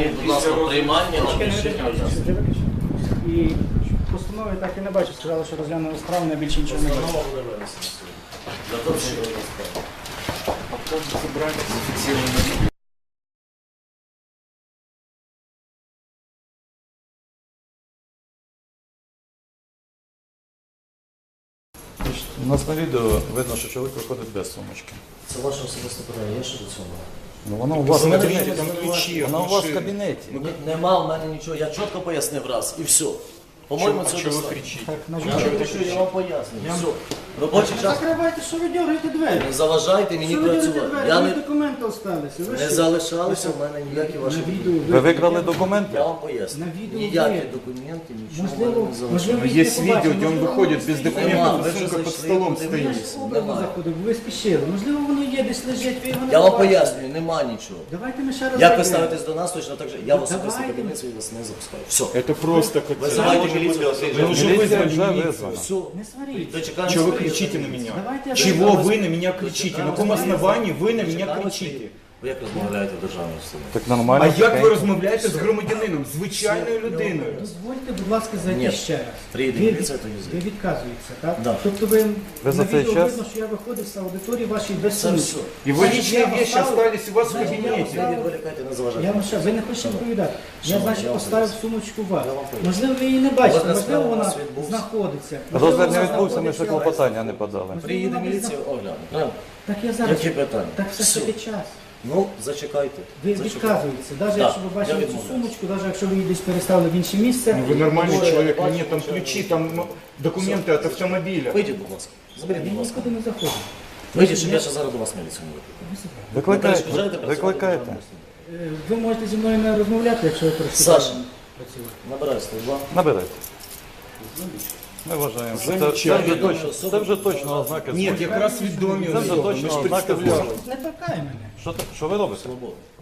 Зверніть, будь ласка, приймання на рішення. І постанови так і не бачу. Сказали, що розглянули справу, на більше нічого не бачу. Постанова буде винесена сьогодні. Для того, щоб забрати зафіксовані. У нас на відео видно, що чоловік виходить без сумочки. Це ваше особисте питання, я що до цього? Ну вона у вас в кабінеті. Там ключі, Вона у вас в кабінеті. Нема в мене нічого, я чітко пояснив раз і все. По-моєму, це Чого ви достатньо. кричите? Так, на Я жаль. кричу, я вам пояснюю. Все. Робочий час. Закривайте, що ви дергаєте двері? Не заважайте мені Що ви дергаєте працювати. двері? Я Ви не, документи осталися. Ви не що? залишалися в мене ніякі ваші На документи. відео Ви викрали документи? Я вам поясню. На відео Ніякі є. документи, нічого в Можливо, мене не залишилося. можливо, Есть їх не видео, побачили, где он можливо, выходит воно без стоїть. документов, Нема, ви сумка що под зайшли, столом подивилися? Я стоит. ж образно Немає. заходив, бо ви спішили. Можливо, воно є, десь лежить, ви його не Я вам побачили. пояснюю, нема нічого. Давайте ми ще раз Як ви зайдемо. ставитесь до нас, точно так же. Я в особистий Давайте. кабінет свій вас не запускаю. Все. Это просто как... Вызывайте милицию. Вы уже Міліція вызвали вже милицию. визвана. Все. Не сваріть. Дочекаємося. Чего вы кричите на меня? Давайте я Чего зайду. вы на меня кричите? На каком основании вы на меня кричите? Ви як розмовляєте в державній установі? Так нормально. А як ви тихенько. розмовляєте з громадянином, звичайною людиною? Дозвольте, будь ласка, зайти Ні. ще раз. Приїде Ви міліція, то від- їздить. Ви відказуєтеся, так? Да. Тобто ви Ви за на цей відео час- видно, що я виходив з аудиторії вашої без Це сумки. все. Его Значить, личные я вещи поставив- остались у вас в Значить, я кабинете. Не відволікайте, не заважайте. Я вам ще, ви не хочете відповідати. Я, Шановний, значить, я вам поставив поясню. сумочку вас. Я вам поясню. Можливо, ви її не бачите, Розгляд можливо, справи у вона нас відбувся. знаходиться. Розгляд не Можливо, відбувся, ми ще знаходиться. клопотання не подали. Приїде міліція, огляне. Правильно? Так я зараз. Які питання? Так все ж Все. таки час. Ну, зачекайте. Ви Зачекайте. відказуєтеся, навіть Да, якщо ви я бачили цю відмовляюсь. сумочку, навіть якщо ви її десь переставили в інше місце. Ну, вы нормальный Двое, человек, бачу, нет, там ничего. ключи, там документы от автомобиля. Вийдіть, будь ласка. Заберіть, Я будь ласка. нікуди не заходжу. Вийдіть, щоб я ще зараз до вас міліцію не викликав. Викликайте. перешкоджаєте працювати Викликайте. державній установі? Ви можете зі мною не розмовляти, якщо ви працюєте. Саша. Набирай 102. Набирайте. Ми вважаємо. що Це вже точно ознаки. Нет, злочину. якраз відомі Це вже особи, ми точно ж ознаки представляли. злочину. Не торкай мене. Що ви робите? Свобода.